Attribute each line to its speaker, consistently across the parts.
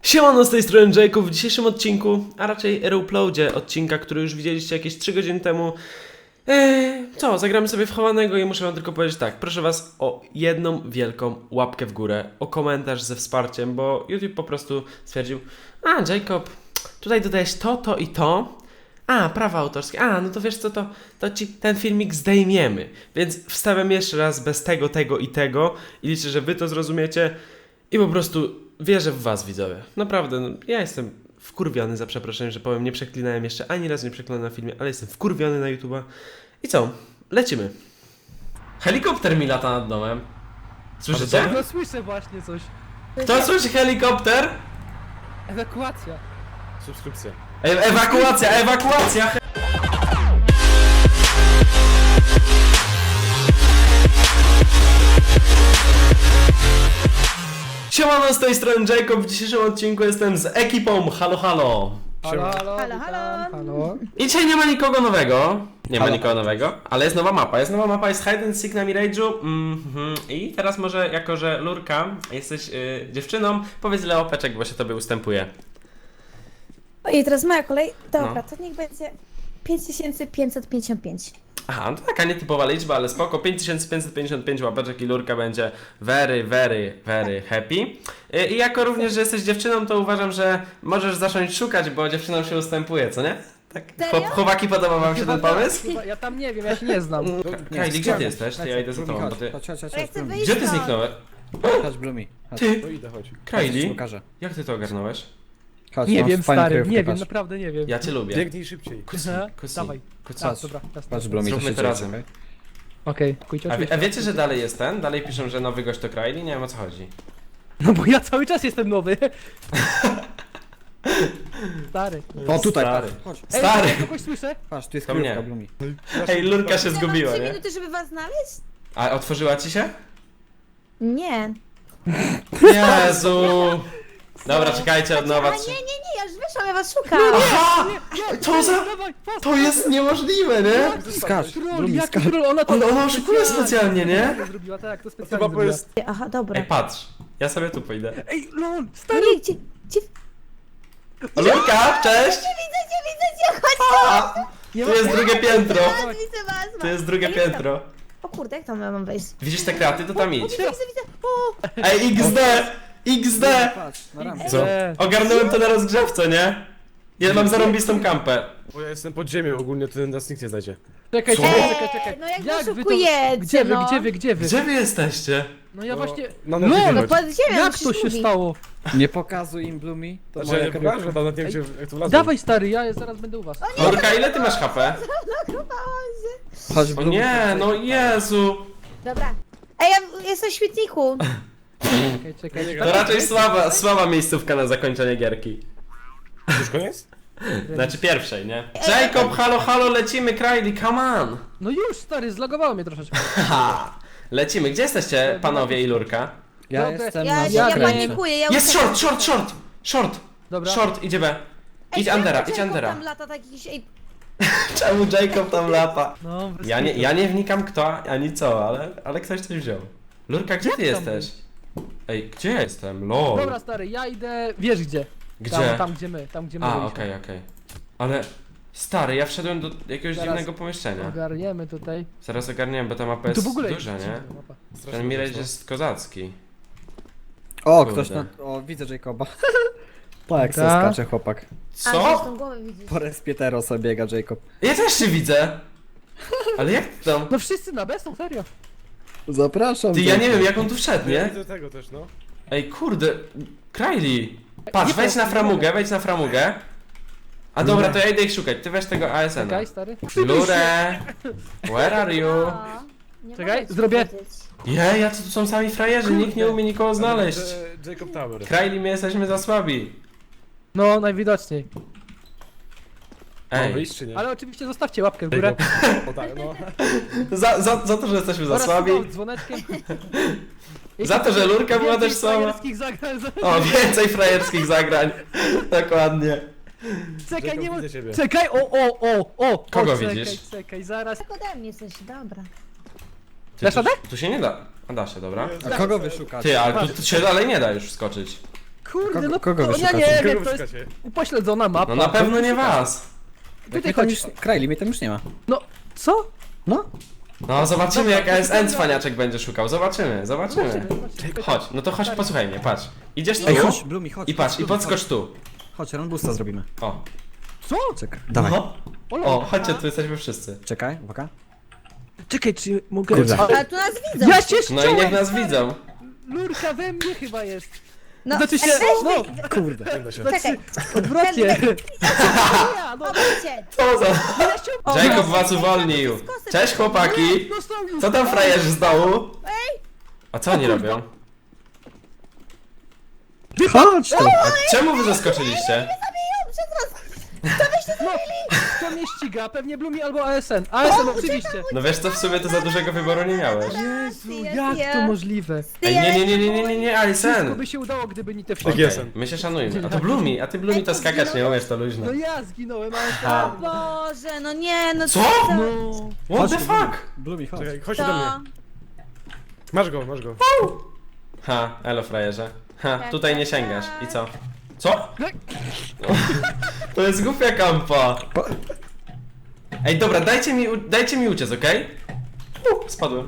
Speaker 1: Siemano, z tej strony Jacob. W dzisiejszym odcinku, a raczej reuploadzie odcinka, który już widzieliście jakieś 3 godziny temu. Zagramy sobie w chowanego i muszę wam tylko powiedzieć tak, proszę was o jedną wielką łapkę w górę, o komentarz ze wsparciem, bo YouTube po prostu stwierdził, Jacob, tutaj dodajesz to i to, prawa autorskie, no to wiesz co, to ci ten filmik zdejmiemy, więc wstawiam jeszcze raz bez tego i tego i liczę, że wy to zrozumiecie i po prostu wierzę w was, widzowie. Naprawdę, ja jestem wkurwiony, za przeproszeniem, że powiem, nie przeklinałem jeszcze, ani razu nie przeklinałem na filmie, ale jestem wkurwiony na YouTube'a. I co? Lecimy. Helikopter mi lata nad domem. Słyszycie?
Speaker 2: No słyszę właśnie coś.
Speaker 1: Kto słyszy helikopter?
Speaker 2: Ewakuacja.
Speaker 3: Subskrypcja.
Speaker 1: Ewakuacja! Siemano, z tej strony Jacob. W dzisiejszym odcinku jestem z ekipą Halo Halo.
Speaker 2: Halo, halo,
Speaker 4: Halo, halo.
Speaker 2: halo.
Speaker 1: I dzisiaj nie ma nikogo nowego. Nie ma nikogo nowego, ale jest nowa mapa. Jest Hide and Seek na Mirage'u. I teraz może, jako że Lurka, jesteś dziewczyną, powiedz Leopeczek, bo się tobie ustępuje.
Speaker 4: Ojej, teraz moja kolej. Dobra,
Speaker 1: No.
Speaker 4: to niech będzie 5555.
Speaker 1: Aha, no to taka nietypowa liczba, ale spoko. 5555 łapeczek i Lurka będzie very happy. I jako również, że jesteś dziewczyną, to uważam, że możesz zacząć szukać, bo dziewczynom się ustępuje, co nie? Tak.
Speaker 4: Serio?
Speaker 1: Chłopaki, podoba wam się ten pomysł?
Speaker 2: Chyba, ja tam nie wiem, ja się nie znam.
Speaker 1: Kylie, gdzie ty jesteś? To ja idę za tobą, bo ty...
Speaker 4: Ale ja chcę wyjść
Speaker 1: Gdzie ty
Speaker 4: stąd.
Speaker 1: zniknąłeś?
Speaker 3: Chodź, Blumi. Chodź.
Speaker 1: Ty,
Speaker 3: No idę, chodź.
Speaker 1: Kylie,
Speaker 3: Pokażę.
Speaker 1: jak ty to ogarnąłeś?
Speaker 3: Chodź,
Speaker 2: Nie
Speaker 3: mam
Speaker 2: wiem,
Speaker 3: fajną
Speaker 2: stary,
Speaker 3: kryjówkę,
Speaker 2: nie wiem,
Speaker 3: patrz.
Speaker 2: naprawdę nie wiem.
Speaker 1: Ja cię lubię.
Speaker 3: Biegnij szybciej.
Speaker 2: Aha,
Speaker 1: Kusi.
Speaker 2: Dawaj.
Speaker 1: Kusi.
Speaker 2: A, dobra, jasne.
Speaker 3: Patrz, Blumi,
Speaker 1: Zróbmy
Speaker 3: się
Speaker 1: to
Speaker 3: dzieje,
Speaker 1: razem.
Speaker 3: czekaj.
Speaker 2: Okej, kujcie
Speaker 1: A wiecie, że dalej jest ten? Dalej piszą, że nowy gość to Kylie? Nie wiem, o co chodzi.
Speaker 2: No bo ja cały czas jestem nowy. Stary.
Speaker 3: O, tutaj,
Speaker 1: Stary.
Speaker 3: patrz. Chodź.
Speaker 2: Ej,
Speaker 1: Stary.
Speaker 2: ja kogoś słyszę?
Speaker 3: Patrz, tu jest
Speaker 1: To
Speaker 3: kryjówka,
Speaker 1: mnie.
Speaker 3: Blumi.
Speaker 1: Hej, Lurka się
Speaker 4: Ja mam
Speaker 1: zgubiła,
Speaker 4: 3
Speaker 1: nie?
Speaker 4: minuty, żeby was znaleźć?
Speaker 1: A otworzyła ci się?
Speaker 4: Nie.
Speaker 1: Jezu! Dobra, czekajcie, od nowa.
Speaker 4: A nie, ja już wyszłam, ja was szukam.
Speaker 1: Aha! To za...
Speaker 2: Dawaj, fast.
Speaker 1: To jest niemożliwe, nie?
Speaker 3: Skacz,
Speaker 2: Troll,
Speaker 3: Blumi,
Speaker 2: jaki
Speaker 3: skacz.
Speaker 2: troll, ona to...
Speaker 1: Ale ona oszukuje specjalnie, nie?
Speaker 2: To zrobiła, tak, to
Speaker 3: To
Speaker 2: specjalnie
Speaker 3: chyba
Speaker 2: zrobiła.
Speaker 3: jest...
Speaker 4: Aha, dobra.
Speaker 1: Ej, patrz. Ja sobie tu pójdę.
Speaker 2: Ej, lol, stary.
Speaker 4: Nie, gdzie...
Speaker 1: Lurka, cześć!
Speaker 4: Widzę cię, chodź!
Speaker 2: Nie
Speaker 1: Tu jest drugie piętro.
Speaker 4: Widzę was.
Speaker 1: Tu jest drugie
Speaker 4: A jak tam?
Speaker 1: piętro.
Speaker 4: O kurde, jak tam ja mam wejść?
Speaker 1: Widzisz te kraty? To tam idź.
Speaker 4: Widzę. O,
Speaker 1: Ej, XD!
Speaker 3: Patrz, na rampę.
Speaker 1: Co? Ogarnąłem to na rozgrzewce, nie? Ja mam zarąbistą kampę.
Speaker 3: Bo ja jestem pod ziemią ogólnie, to nas nikt nie znajdzie.
Speaker 2: Czekaj,
Speaker 1: Co?
Speaker 2: czekaj.
Speaker 4: no jak
Speaker 2: wy to...
Speaker 4: oszukujecie,
Speaker 2: Gdzie wy,
Speaker 4: no.
Speaker 2: gdzie wy?
Speaker 1: Gdzie wy jesteście?
Speaker 2: No ja właśnie...
Speaker 3: No,
Speaker 2: No,
Speaker 3: no,
Speaker 4: No
Speaker 3: no,
Speaker 4: pod ziemią,
Speaker 2: Jak to
Speaker 4: przecież
Speaker 2: się
Speaker 4: mówi.
Speaker 2: stało?
Speaker 3: nie pokazuj im, Blumi. To
Speaker 1: Znaczy,
Speaker 3: moja
Speaker 1: ja nie
Speaker 3: kryjówka.
Speaker 1: pokażę,
Speaker 3: Nawet nie wiem, gdzie- jak tu wlazłem.
Speaker 2: Dawaj stary, ja zaraz będę u was.
Speaker 1: Lurka, ile ty masz HP?
Speaker 3: Chodź,
Speaker 1: O
Speaker 3: Blumi.
Speaker 1: nie, no Jezu!
Speaker 4: Dobra. Ej, ja jestem w świetniku.
Speaker 2: Czekaj.
Speaker 1: To raczej słaba miejscówka na zakończenie gierki.
Speaker 3: Już koniec?
Speaker 1: Znaczy pierwszej, nie? Jacob, halo, lecimy, Kylie, come on!
Speaker 2: No już stary, zlagowało mnie troszeczkę.
Speaker 1: Haha! Lecimy, gdzie jesteście panowie i Lurka?
Speaker 3: Ja
Speaker 2: Dobra,
Speaker 3: jestem
Speaker 4: Ja
Speaker 3: na
Speaker 4: panikuję, ja
Speaker 1: Jest
Speaker 4: uciekam.
Speaker 1: short!
Speaker 2: Dobra.
Speaker 1: Short, idzie B. Idź
Speaker 4: Ej,
Speaker 1: Andera,
Speaker 4: czemu
Speaker 1: idź
Speaker 4: Jacob
Speaker 1: Andera.
Speaker 4: tam lata tak jakiś... Ej,
Speaker 1: Czemu Jacob tam lata?
Speaker 2: No, bez
Speaker 1: Ja
Speaker 2: kitu.
Speaker 1: nie wnikam kto, ani co, ale ktoś coś wziął. Lurka, gdzie
Speaker 2: Jak
Speaker 1: ty
Speaker 2: tam
Speaker 1: jesteś? Ej, gdzie ja jestem? LOL.
Speaker 2: Dobra stary, ja idę, wiesz gdzie?
Speaker 1: Gdzie?
Speaker 2: Tam gdzie my
Speaker 1: A,
Speaker 2: byliśmy.
Speaker 1: okej. Ale... Stary, ja wszedłem do jakiegoś
Speaker 2: Zaraz.
Speaker 1: dziwnego pomieszczenia.
Speaker 2: Ogarniemy tutaj.
Speaker 1: Zaraz ogarniemy, bo ta mapa
Speaker 2: Tu
Speaker 1: jest
Speaker 2: w ogóle
Speaker 1: duża,
Speaker 2: jest
Speaker 1: nie?
Speaker 2: dziwna mapa.
Speaker 1: Ten Mirage jest kozacki.
Speaker 3: O,
Speaker 1: Kurde.
Speaker 3: ktoś na... O, widzę Jacoba. Tak, se
Speaker 2: Da.
Speaker 3: skacze chłopak.
Speaker 4: a
Speaker 1: Co?
Speaker 4: tą głowę widzisz.
Speaker 3: Po respietero sobie biega Jacob.
Speaker 1: Ja też się widzę! Ale jak ty tam?
Speaker 2: No wszyscy na B są, serio.
Speaker 3: Zapraszam.
Speaker 1: Ty, ja nie
Speaker 3: Jacob.
Speaker 1: wiem jak on tu wszedł, nie?
Speaker 3: do tego też, no.
Speaker 1: Ej, kurde, Kylie! Patrz,
Speaker 2: Nie,
Speaker 1: wejdź na framugę, wejdź na framugę. A dobra, to ja idę ich szukać, ty weź tego ASN-a.
Speaker 2: Czekaj stary.
Speaker 1: Lure! Where are you?
Speaker 4: No, nie
Speaker 2: Czekaj,
Speaker 4: mogę ci
Speaker 2: zrobię.
Speaker 4: powiedzieć.
Speaker 1: Jacy tu są sami frajerzy, nikt nie umie nikogo znaleźć.
Speaker 3: Jacob Tower.
Speaker 1: Kylie, my jesteśmy za słabi.
Speaker 2: No, najwidoczniej.
Speaker 1: Ej,
Speaker 3: wyjść czy nie?
Speaker 2: Ale oczywiście zostawcie łapkę w górę.
Speaker 3: O tak, no.
Speaker 1: za to, że jesteśmy za
Speaker 2: Oraz
Speaker 1: słabi.
Speaker 2: sygnał dzwoneczkiem.
Speaker 1: Za to, że Lurka była
Speaker 2: Więcej
Speaker 1: też słaba.
Speaker 2: frajerskich zagrań.
Speaker 1: O, więcej frajerskich zagrań. Dokładnie.
Speaker 2: Czekaj,
Speaker 3: Jacob,
Speaker 2: nie ma...
Speaker 3: widzę ciebie.
Speaker 2: Czekaj, o!
Speaker 1: Kogo
Speaker 2: czekaj,
Speaker 1: widzisz?
Speaker 2: Czekaj, zaraz.
Speaker 4: Tak ode mnie coś, dobra.
Speaker 1: Ty,
Speaker 2: Dasz radę?
Speaker 1: tu się nie da. A da się, dobra.
Speaker 3: A kogo wy szukacie?
Speaker 1: Ty, ale tu się dalej nie da już wskoczyć.
Speaker 2: Kurde, no
Speaker 5: kogo wy
Speaker 2: to ja
Speaker 5: szukacie?
Speaker 2: nie
Speaker 3: Kogo
Speaker 2: wiem,
Speaker 3: wy
Speaker 2: to jest
Speaker 3: szukacie?
Speaker 2: upośledzona mapa.
Speaker 1: No na pewno nie was.
Speaker 2: Tutaj
Speaker 5: Tam
Speaker 2: chodź.
Speaker 5: już, Kraili, mnie tam już nie ma.
Speaker 2: No, co?
Speaker 5: No,
Speaker 1: No zobaczymy
Speaker 2: Dobra,
Speaker 1: jak
Speaker 2: to
Speaker 1: ASN
Speaker 2: dobra.
Speaker 1: cwaniaczek będzie szukał, zobaczymy. Chodź, no to chodź posłuchaj mnie, patrz. Idziesz tu
Speaker 5: ej, chodź, Blumi, chodź.
Speaker 1: i patrz, i
Speaker 5: Blumi,
Speaker 1: podskocz tu.
Speaker 5: Chodź, runbusta zrobimy.
Speaker 1: O,
Speaker 2: Co?
Speaker 5: Czekaj, dawaj.
Speaker 1: no. O, chodźcie, tu jesteśmy wszyscy.
Speaker 5: Czekaj, uwaga.
Speaker 2: Czekaj, czy mogę...
Speaker 5: Kurde.
Speaker 4: Ale tu nas widzą.
Speaker 2: Ja się
Speaker 1: No i niech nas widzą.
Speaker 2: Lurka we mnie chyba jest.
Speaker 4: No,
Speaker 2: Znaczy się, no,
Speaker 5: Kurde.
Speaker 3: Nie da się.
Speaker 4: Czekaj,
Speaker 2: odwrotnie. Ja, no,
Speaker 4: obróćcie.
Speaker 1: Co za...
Speaker 2: ja się...
Speaker 4: O,
Speaker 1: Jacob
Speaker 4: no,
Speaker 1: was uwolnił. Cześć chłopaki.
Speaker 2: No są już.
Speaker 1: Co tam frajerzy z dołu? A co oni robią?
Speaker 5: Chodź tu.
Speaker 1: A czemu wy zaskoczyliście?
Speaker 2: No, kto mnie ściga? Pewnie Blumi albo ASN. ASN oczywiście.
Speaker 1: No wiesz co, w sumie to za dużego wyboru nie miałeś.
Speaker 2: Jezu,
Speaker 4: Jest,
Speaker 2: jak
Speaker 4: jest.
Speaker 2: to możliwe?
Speaker 1: Ej,
Speaker 2: Wszystko
Speaker 1: Alisen.
Speaker 2: by się udało, gdyby nie te
Speaker 3: Tak
Speaker 2: wszystkie.
Speaker 3: jest.
Speaker 1: My się szanujmy. A to Blumi, a ty Blumi to skakać nie umiesz, to luźno.
Speaker 2: No ja zginąłem,
Speaker 4: O
Speaker 2: ASN.
Speaker 4: Boże, no nie, no
Speaker 1: Co?
Speaker 2: No.
Speaker 1: What the
Speaker 5: Chodź,
Speaker 1: fuck?
Speaker 5: Blumi, chodź.
Speaker 3: Czekaj, chodź do
Speaker 4: To...
Speaker 3: mnie. Masz go, masz go.
Speaker 1: Ha, elo frajerze. Ha, tutaj nie sięgasz. I co? Co? To jest głupia kampa.
Speaker 5: Po-
Speaker 1: Ej, dobra, dajcie mi uciec, okej? Spadłem.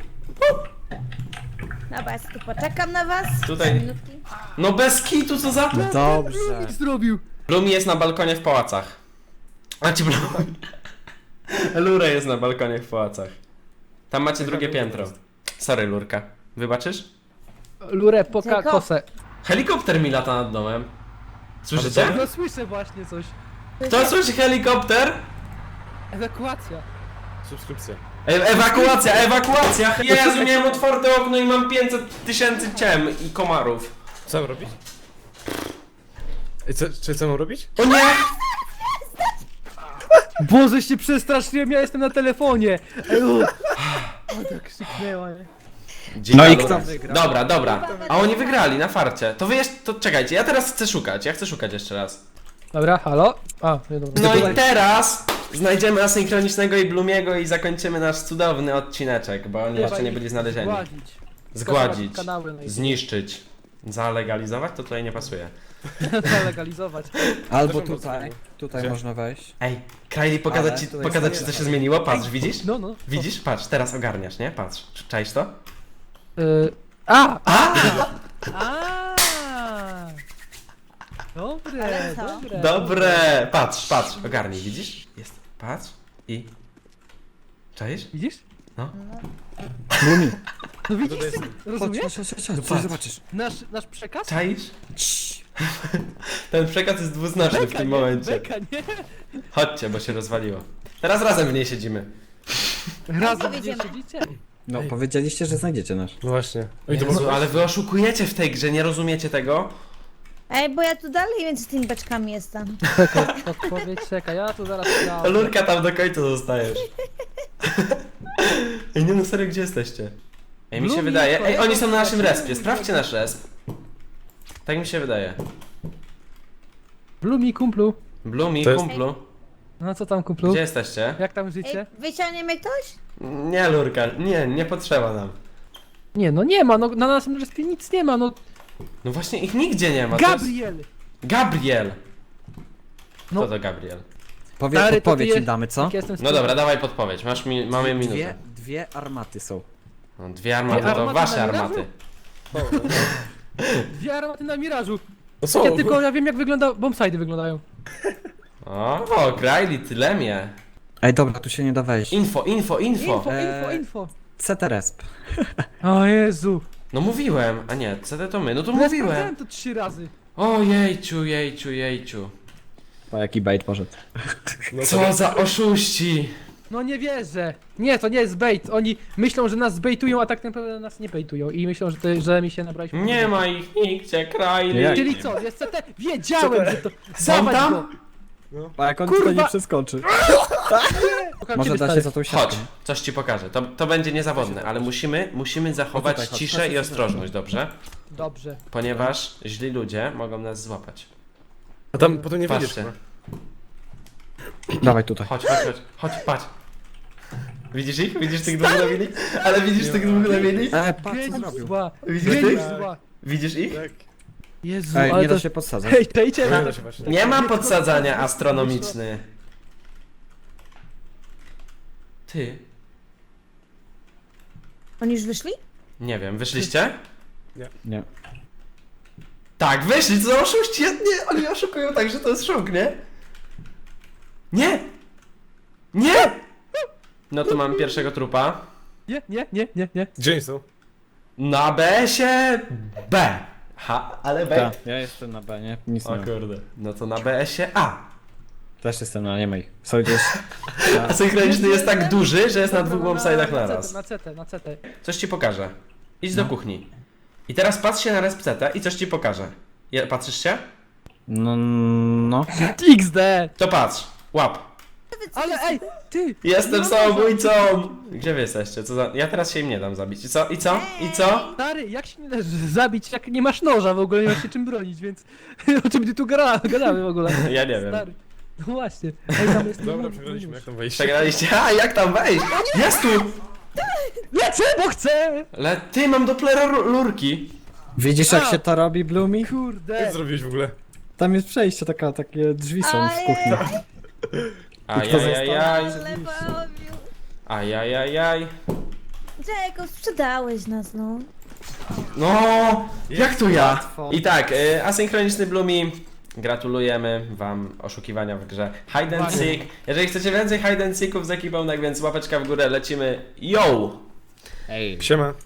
Speaker 4: Dobra, ja tu poczekam na was.
Speaker 1: Tutaj.
Speaker 4: 3 minutki.
Speaker 1: No bez kitu, co za...
Speaker 5: Dobrze.
Speaker 2: Blumik zrobił.
Speaker 1: Blumi jest na balkonie w pałacach. A ci Blumi. Lura jest na balkonie w pałacach. Tam macie drugie piętro. Sorry, Lurka. Wybaczysz?
Speaker 2: Lurę, poka,
Speaker 4: Tylko-
Speaker 2: kosę.
Speaker 1: Helikopter mi lata nad domem. Słyszycie?
Speaker 2: No słyszę właśnie coś.
Speaker 1: Kto słyszy helikopter?
Speaker 2: Ewakuacja.
Speaker 3: Subskrypcja.
Speaker 1: Ewakuacja, ewakuacja! Jezu, miałem otwarte okno i mam 500 000 ciem i komarów.
Speaker 3: Co mam robić? Ej, co mam robić?
Speaker 1: O nie!
Speaker 2: Boże, się przestraszyłem, ja jestem na telefonie. Ej, o, tak krzyknęła, nie?
Speaker 5: No i
Speaker 1: Lura.
Speaker 5: kto wygrał?
Speaker 1: Dobra, dobra. A oni wygrali na farcie. To wy jeszcze, to czekajcie, ja teraz chcę szukać. Ja chcę szukać jeszcze raz.
Speaker 2: Dobra, halo? A, nie dobra.
Speaker 1: No i teraz znajdziemy asynchronicznego i Blumiego i zakończymy nasz cudowny odcineczek, bo oni jeszcze nie byli znalezieni.
Speaker 2: Zgładzić.
Speaker 1: Zgładzić,
Speaker 2: Kanały na
Speaker 1: zniszczyć, zalegalizować, to tutaj nie pasuje.
Speaker 2: zalegalizować.
Speaker 5: Albo
Speaker 3: Też mam
Speaker 5: tutaj,
Speaker 3: mocno.
Speaker 5: tutaj
Speaker 3: Gdzie?
Speaker 5: można wejść.
Speaker 1: Ej, Kylie, pokazać
Speaker 5: Ale
Speaker 1: ci,
Speaker 5: tutaj
Speaker 1: pokazać
Speaker 5: jest
Speaker 1: ci co się
Speaker 5: fajne.
Speaker 1: zmieniło? Patrz, widzisz?
Speaker 2: No, no.
Speaker 1: Widzisz? Patrz, teraz ogarniasz, nie? Patrz, czaisz to?
Speaker 2: A!
Speaker 1: A!
Speaker 2: Dobre,
Speaker 4: Ale co?
Speaker 2: dobre.
Speaker 1: Dobre! Patrz, patrz, ogarnij, widzisz? Jest, patrz i... Czaisz?
Speaker 2: Widzisz?
Speaker 5: Blumi.
Speaker 2: No widzisz?
Speaker 3: Tutaj jest-
Speaker 2: Rozumiesz?
Speaker 5: Chodź,
Speaker 1: patrz.
Speaker 5: zobaczysz.
Speaker 2: Nasz przekaz?
Speaker 1: Czaisz? Ten przekaz jest dwuznaczny w tym momencie.
Speaker 2: Beka, nie?
Speaker 1: Chodźcie, bo się rozwaliło. Teraz razem w niej siedzimy.
Speaker 2: Razem gdzie
Speaker 4: Powiedziemy.
Speaker 2: siedzicie?
Speaker 5: No, powiedzieliście, że znajdziecie nasz.
Speaker 3: No właśnie. Oj, to
Speaker 1: Jezu,
Speaker 3: mogę...
Speaker 1: ale wy oszukujecie w tej grze, nie rozumiecie tego?
Speaker 4: Ej, bo ja tu dalej między tymi beczkami jestem.
Speaker 2: Czekaj, odpowiedź, czekaj, ja tu zaraz
Speaker 1: To Lurka tam do końca zostajesz. Ej, nie no serio, gdzie jesteście? Ej, mi się
Speaker 2: Blumi,
Speaker 1: wydaje... Ej, oni są na naszym
Speaker 2: kolego,
Speaker 1: respie, sprawdźcie nasz resp. Tak mi się wydaje.
Speaker 2: Blumi, kumplu.
Speaker 1: Blumi,
Speaker 3: To jest-
Speaker 1: kumplu,
Speaker 2: No co tam, kumplu?
Speaker 1: gdzie jesteście?
Speaker 2: Jak tam
Speaker 4: Ej,
Speaker 2: życie?
Speaker 4: wyciągnie mnie ktoś?
Speaker 1: Nie, Lurka, nie potrzeba nam.
Speaker 2: Nie, no nie ma, no na naszym respie nic nie ma, no.
Speaker 1: No właśnie, ich nigdzie nie ma. to jest-
Speaker 2: Gabriel!
Speaker 1: Gabriel!
Speaker 2: No.
Speaker 1: Kto to Gabriel?
Speaker 2: Stary, to
Speaker 5: Podpowiedź
Speaker 2: ty
Speaker 5: im damy, co?
Speaker 2: jak ja jestem
Speaker 1: No dobra, dawaj podpowiedź, mamy minutę.
Speaker 5: Dwie armaty są.
Speaker 1: No, dwie armaty,
Speaker 2: Dwie
Speaker 1: to
Speaker 2: armaty
Speaker 1: wasze
Speaker 2: na Mirażu?
Speaker 1: armaty.
Speaker 2: Dwie armaty na Mirażu.
Speaker 3: No co?
Speaker 2: Ja tylko ja wiem jak wygląda, bombsidy wyglądają.
Speaker 1: O, Kraili, tyle mnie.
Speaker 5: Ej, dobra, tu się nie da wejść.
Speaker 1: Info.
Speaker 2: Info.
Speaker 5: CT Resp.
Speaker 2: O Jezu.
Speaker 1: No mówiłem, a nie, CD to my, no to
Speaker 2: Ja
Speaker 1: mówiłem.
Speaker 2: sprawdzałem to 3 razy.
Speaker 1: O jejciu.
Speaker 5: O, jaki bait poszedł.
Speaker 3: No to-
Speaker 1: Co za oszuści.
Speaker 2: No nie wierzę. Nie, to nie jest bait. Oni myślą, że nas zbejtują, a tak naprawdę nas nie bejtują. I myślą, że mi się nabraliśmy.
Speaker 1: Nie ma ich nigdzie, Kraili.
Speaker 5: Jak?
Speaker 2: Czyli co, jest CT? Wiedziałem, że to...
Speaker 1: Są
Speaker 2: Dawać
Speaker 1: tam?
Speaker 2: go.
Speaker 5: A jak on
Speaker 2: Kurwa!
Speaker 5: tutaj nie przeskoczy?
Speaker 2: Pokaż
Speaker 5: Może
Speaker 2: ciebie,
Speaker 5: da
Speaker 2: stary.
Speaker 5: się za tą siatką.
Speaker 1: Chodź, coś ci pokażę. To będzie niezawodne, ale musimy zachować
Speaker 5: O, tutaj, chodź,
Speaker 1: ciszę
Speaker 5: chodź,
Speaker 1: i
Speaker 5: chodź,
Speaker 1: ostrożność, dobrze?
Speaker 2: Dobrze.
Speaker 1: Ponieważ źli ludzie mogą nas złapać.
Speaker 3: A tam potem nie wyjdziesz.
Speaker 1: Patrzcie.
Speaker 3: chyba.
Speaker 5: Dawaj tutaj.
Speaker 1: Chodź, patrz. Widzisz ich? Widzisz tych dwóch na mini? Ale widzisz tych dwóch na mini?
Speaker 5: Patrz co
Speaker 2: Geniusz
Speaker 5: zrobił.
Speaker 2: zła.
Speaker 1: Widzisz
Speaker 2: Geniusz
Speaker 1: tych?
Speaker 2: zła.
Speaker 1: Widzisz ich?
Speaker 3: Tak.
Speaker 2: Jezu,
Speaker 5: Ej,
Speaker 2: ale
Speaker 5: nie
Speaker 2: to...
Speaker 5: da się podsadzać.
Speaker 2: Hej, dajcie
Speaker 3: Nie
Speaker 2: na
Speaker 3: da się właśnie.
Speaker 1: Nie mam podsadzania astronomiczny. Ty?
Speaker 4: Oni już wyszli?
Speaker 1: Nie wiem, wyszliście?
Speaker 5: Nie.
Speaker 1: Tak, wyszli, co za oszuści? Nie, oni oszukują tak, że to jest szok, nie? Nie! Nie! No to mam pierwszego trupa.
Speaker 2: Nie.
Speaker 3: Gdzie oni są?
Speaker 1: Na BS-ie B. Ha, ale B.
Speaker 5: Tak, ja jestem na B, nie? Nic nie
Speaker 1: O
Speaker 5: mam.
Speaker 1: kurde. No to na BS-ie A.
Speaker 5: Też jestem na nie mej. Są gdzieś...
Speaker 1: Asynchroniczny jest tak duży, że jest na dwóch bombside'ach
Speaker 2: na
Speaker 1: naraz.
Speaker 2: CT.
Speaker 1: Coś ci pokażę. Idź do kuchni. I teraz patrz się na respcetę i coś ci pokażę. Patrzysz się?
Speaker 5: No.
Speaker 2: XD!
Speaker 1: To patrz. Łap.
Speaker 2: Ale ej, ty!
Speaker 1: Jestem
Speaker 2: No,
Speaker 1: samobójcą! Gdzie wy jesteście? Co za... Ja teraz się im nie dam zabić. I co? I co? I co?
Speaker 2: Stary, jak się nie dasz zabić, jak nie masz noża w ogóle, nie masz się czym bronić, więc o czym ty tu gadamy w ogóle?
Speaker 1: Ja nie wiem.
Speaker 2: Stary. No właśnie. Ej, tam jest
Speaker 3: Dobra, przegraliśmy, jak tam wejść?
Speaker 1: Przegraliście? A, jak tam wejść? Jest tu!
Speaker 2: Lecę, bo chcę!
Speaker 1: Ale ty, mam Doppler lurki.
Speaker 5: Widzisz jak
Speaker 2: A!
Speaker 5: się to robi, Blumi?
Speaker 3: Co
Speaker 2: Kurde.
Speaker 3: zrobiłeś w ogóle?
Speaker 5: Tam jest przejście, takie drzwi są w kuchni.
Speaker 1: Ajajajaj.
Speaker 4: Ale bawił.
Speaker 1: Ajajajaj.
Speaker 4: Jacob, sprzedałeś nas, no.
Speaker 1: No, jak to ja?
Speaker 5: Łatwo.
Speaker 1: I tak, asynchroniczny Blumi. Gratulujemy wam oszukiwania w grze Hide and Seek. Jeżeli chcecie więcej Hide and Seeków z ekipą, tak więc łapeczka w górę, lecimy. Yo!
Speaker 5: Ej.
Speaker 3: Siema.